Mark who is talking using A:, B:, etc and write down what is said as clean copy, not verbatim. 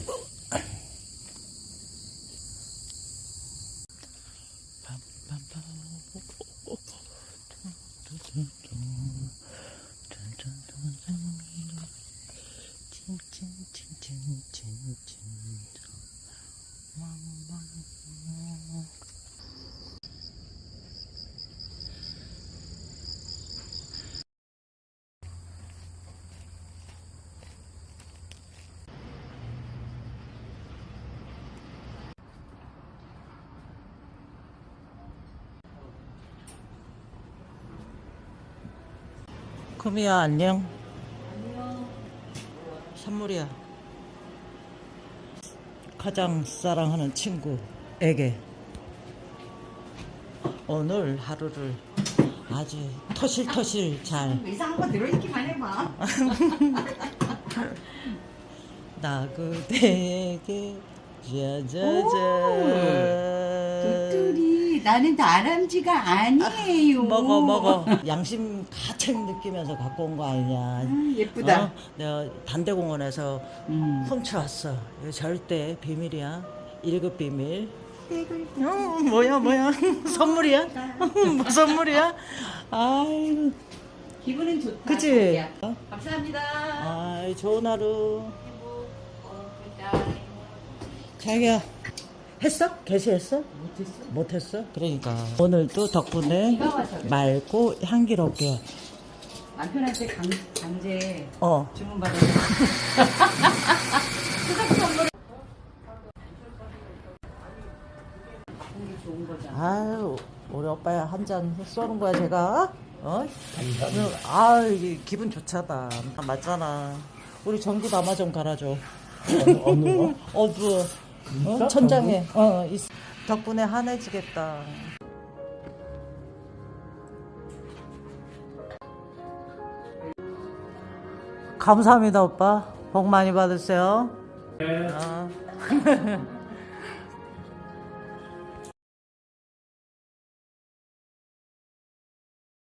A: 금이야, 안녕. 선물이야. 가장 사랑하는 친구에게 오늘 하루를 아주 터실터실 잘
B: 이상한 거 들어있기만 해봐.
A: 나 그대에게 짜자잔.
B: 도토리 나는 다람쥐가 아니에요.
A: 먹어 양심 가득 느끼면서 갖고 온 거 아니냐.
B: 예쁘다.
A: 내가 반대공원에서 훔쳐왔어. 이거 절대 비밀이야. 1급 비밀. 뭐야 선물이야? 뭐 선물이야? 아유
B: 기분은 좋다.
A: 그치?
B: 감사합니다.
A: 아이 좋은 하루. 자기야 했어? 게시했어? 못했어? 그러니까 오늘도 덕분에 맑고 향기롭게
B: 남편한테 강제
A: 어
B: 주문 받아서 좋은 거잖아.
A: 아유 우리 오빠야 한 잔 쏘는 거야 제가 어? 아 이게 기분 좋잖아. 맞잖아. 우리 전기 담아 좀 갈아줘.
C: 어느 거?
A: 어두워. 어? 천장에 있어. 덕분에 환해지겠다. 감사합니다 오빠. 복 많이 받으세요.
C: 네.
A: 어.